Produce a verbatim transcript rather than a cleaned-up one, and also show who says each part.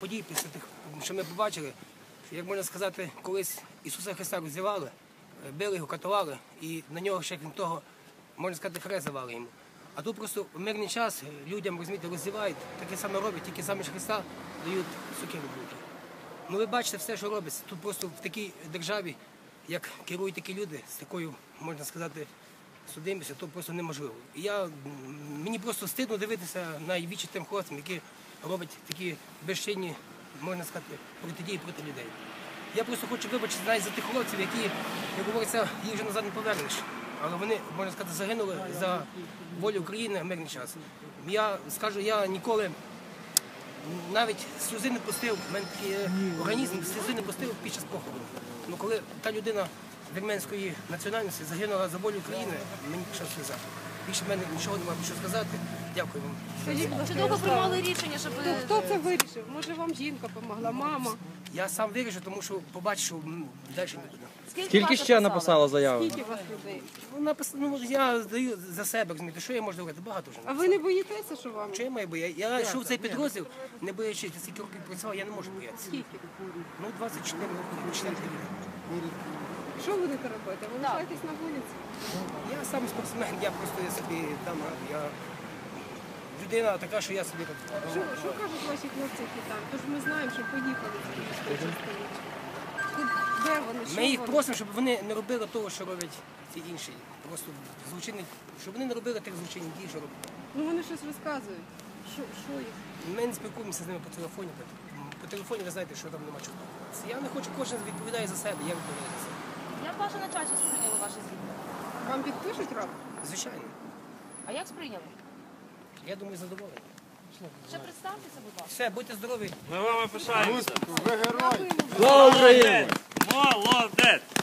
Speaker 1: Подій після тих, що ми побачили, що, як можна сказати, колись Ісуса Христа роздівали, били його, катували, і на нього ще, крім того, можна сказати, хрест давали йому. А тут просто в мирний час людям, розумієте, роздівають, таке саме роблять, тільки замість Христа дають сокиру в руки. Ну ви бачите все, що робиться. Тут просто в такій державі, як керують такі люди, з такою, можна сказати, судимістю, то просто неможливо. І я, мені просто стидно дивитися на вічі тим хлопцям, які роблять такі безчинні, можна сказати, протидії проти людей. Я просто хочу вибачити навіть за тих хлопців, які, як говориться, їх вже назад не повернеш. Але вони, можна сказати, загинули за волю України в мирний час. Я скажу, я ніколи навіть сльози не пустив, в мене такий організм сльози не пустив під час похорону. Ну, коли та людина вірменської національності загинула за волю України, мені пішла сльоза. Більше в мене нічого немає що сказати. Дякую вам.
Speaker 2: Чи довго приймали рішення, щоб...
Speaker 3: Хто це вирішив? Може вам жінка допомогла, мама?
Speaker 1: Я сам вирішу, тому що побачу, що далі нікуди.
Speaker 4: Скільки ще написала заяву?
Speaker 3: Скільки у вас людей?
Speaker 1: Ну, напис... ну, я здаю за себе, розумієте, що я можу говорити? Багато вже.
Speaker 3: А ви не боїтеся, що вам?
Speaker 1: Що я маю боятися? Я йшов в цей підрозділ, не боячись, скільки років працював, я не можу боятися.
Speaker 3: Скільки?
Speaker 1: Ну, двадцять чотири роки, чотири роки.
Speaker 3: Що будете робити? Ви лишаєтесь на вулиці?
Speaker 1: Я сам спортсмен, я просто я собі там, я людина така, що я собі так.
Speaker 3: Що, що кажуть ваші хлопці, які там? Тож ми знаємо, що поїхали з Київської частини. Де вони? Що
Speaker 1: Ми їх
Speaker 3: вони?
Speaker 1: просимо, щоб вони не робили того, що роблять ці інші. Просто злочинні, щоб вони не робили тих злочинних дій, що роблять.
Speaker 3: Ну вони щось розказують. Що, що їх?
Speaker 1: Ми не спілкуємося з ними по телефоні. По телефоні ви знаєте, що там нема чого спілкуватися. Я не хочу, кожен відповідає за себе, я відповідаю за себе.
Speaker 2: Як ваше начальство сприйняло ваше звільнення?
Speaker 3: Вам підпишуть рапорт?
Speaker 1: Звичайно.
Speaker 2: А як сприйняли?
Speaker 1: Я думаю, задоволений.
Speaker 2: Ще представтеся, будь ласка.
Speaker 1: Все, будьте здорові.
Speaker 5: Ми вами пишаємося.
Speaker 4: Слава Україні!
Speaker 5: Молодець!